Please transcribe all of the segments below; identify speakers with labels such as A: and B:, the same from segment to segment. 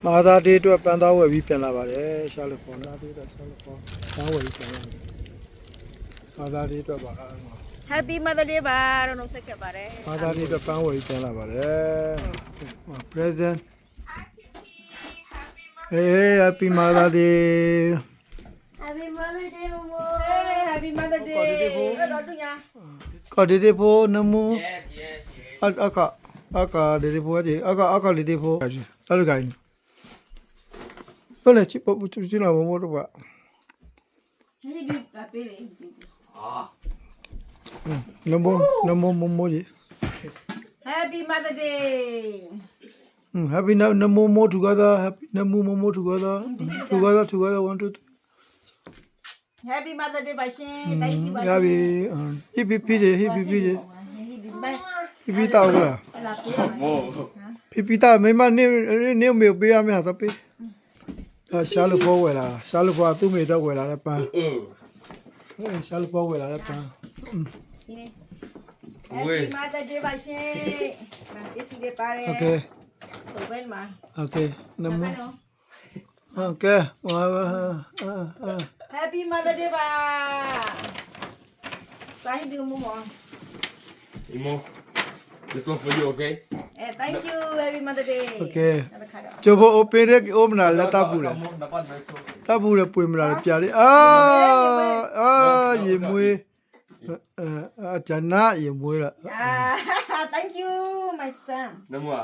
A: မာသာဒေးအတွက်ပန်းသားဝယ်ပြီးပြန်လာပါတယ်ရှာလို့ပေါ်လာဒေးတော့ရှာလို့ပေါ်ပန်းဝယ်ပြီးပြန်လာတယ်မာသာဒေးအတွက်ပါ
B: Happy Mother Day ပါတော့နှုတ်ဆက်ခဲ့ပါတယ်
A: မာသာဒေးအတွက်ပန်းဝယ်ပြီးပြန်လာပါတယ် present Hey Happy Mother Day
B: Happy Mother Day မမိုး Happy Mother Day တော့တူညာ
A: ကော်ဒီဒေဖိုနမူ
C: Yes, yes, yes.
A: အခဒေဒေဖိုကြီးအခဒေဒေဖိုလာလူကိုင်းဟုတ်လေချစ်ပေါ်ချစ်လာမမို့တော့ပါ
B: ဟဲ့ဒီလာပေးလေ
C: Ah.
A: နမမမိုကြီး
B: Happy Mother Day
A: Happy no more together. Happy no more together. Together. 1, 2, 3.
B: Happy Mother Day ပါရှင် Thank you ပါ
A: Happy. Happy. Happy တောက်လား
B: လာပေးပါမယ်
A: Happy တောက်မိမနေမေပေးရမယ်ဟာသပေးရှာလို့ပေါ်ဝယ်လာရှာလို့ပေါ်သူ့မေတော့ဝယ်လာတဲ့ပန်းရှာလို့ပေါ်ဝယ်လာတဲ့ပန်း
B: ဒီနေ့ Happy Mother Day ပါရှင်ပစ္စည်းတွေပါတယ်
A: Okay.
B: ဆိုဘယ်မှာ
A: Okay. နမ Okay.
B: Happy Mother Day ပါတိုင်းဒီမမော
C: Imo, this one for you, okay?
B: Thank you Happy Mother Day
A: Okay.
B: နောက်တစ်ခါတော့
A: ကျော်ဖို့ open ရဲ့ open လာလက်တပ်ပူလား
C: Dapat baik.
A: တပ်ပူရပွေမလားပြလေးရေမွေးဂျန်နာရေမွေးလား
B: Thank you my son
C: Nemu ah.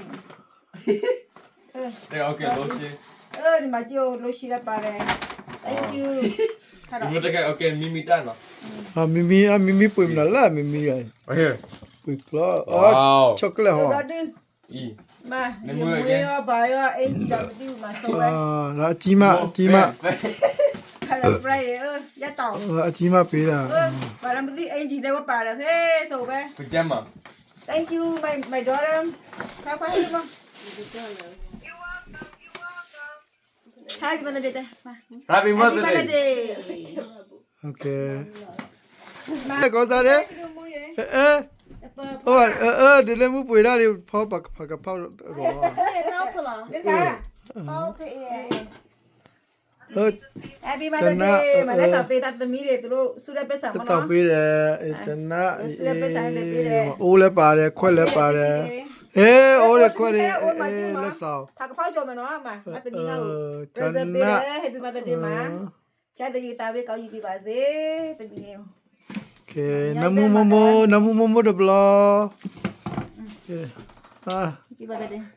C: Okay, lotion.
B: ဒီမှာကြိုးလို့ရှိရပါတယ် Thank you ခါတော့
C: Ibu dekat okay, mimi tan lah.
A: မီပွေမလားမီရ
C: Right here.
A: ပွေကလာ
C: Wow.
A: ချောကလက်ဟော
B: တော့ဒီ
C: E.
B: မာဒီမွေးရောဘာရောအင်ဂျီတော့မသိဘူးမှာဆိုပဲ
A: လာအကြီးမ
B: ခါတော့ fry ရတော့
A: အကြီးမပေးတာ
B: ဘာမှမသိအင်ဂျီတော့ပါတယ်ဟေးဆိုပဲ
C: Pajama.
B: Thank you my daughter ခါခွားလို့ Happy Mother Day
C: Happy Mother
B: Mother
C: Day.
B: Day
A: โอเคကောစားတယ်ဒီလည်းမပွေတာလေးဖောက်ပါဖောက်ကော
B: Lên cả. Ok. Happy Mother
A: Tana,
B: Day. Mà lấy sạp bê tạt tầm mì để tụi lô su đếp bê sạp mà
A: တောက်
B: nó.
A: ပေးတယ်တနာအိုးလည်းပါတယ်ခွက်လည်းပါတယ်ဟေးအိုးလည်းခွက်လည်းလက်ဆောင်
B: Thà cái pháo cho mà nó mà. Mà tụi mình ngầu.
A: တ
B: Present bê
A: နာ
B: đấy. Happy Mother Day mà. Cha tụi gì tao biết có gì bị bà dế. Tụi mình nghèo.
A: โอเคနမမဒဘလာဟာ
B: Happy Mother Day.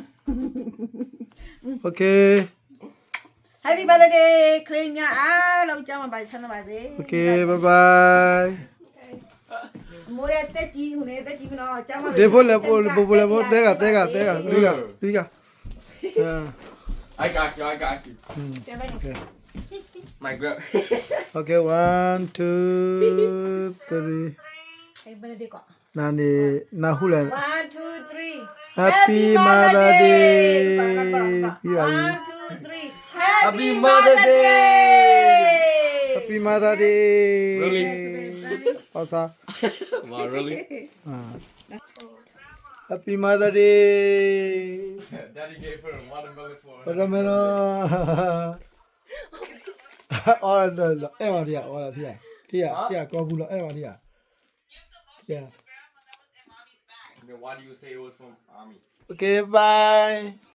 A: โอเค
B: Happy Mother Day. Claim nha. Lâu cho mà bà chân bà dế.
A: โอเคဘိုင်ဘိုင်
B: Mua đây tết chi hồi nay tết chi nó cho mà.
A: ဒေဖိုလည်းပိုလည်းတဲကရီက
C: I got you.
B: Cho bên này.
C: My girl.
A: โอเค1 2 3
B: Happy Mother Day quả.
A: နာနေနာဟုလည်း
B: One, two, three.
A: Happy Mother Day.
B: 1, 2, 3.
C: Happy Mother Day.
A: Happy Mother Day
C: Really?
A: ဟောစား
C: Wow, really?
A: Happy Mother Day
C: Daddy gave her a watermelon for her.
A: ဘာလဲမလို့အော်အဲ့ပါဒီအော်လာတီးကောဘူးလားအဲ့ပါဒီတီး
C: Then why do you say it was from Army?
A: Okay bye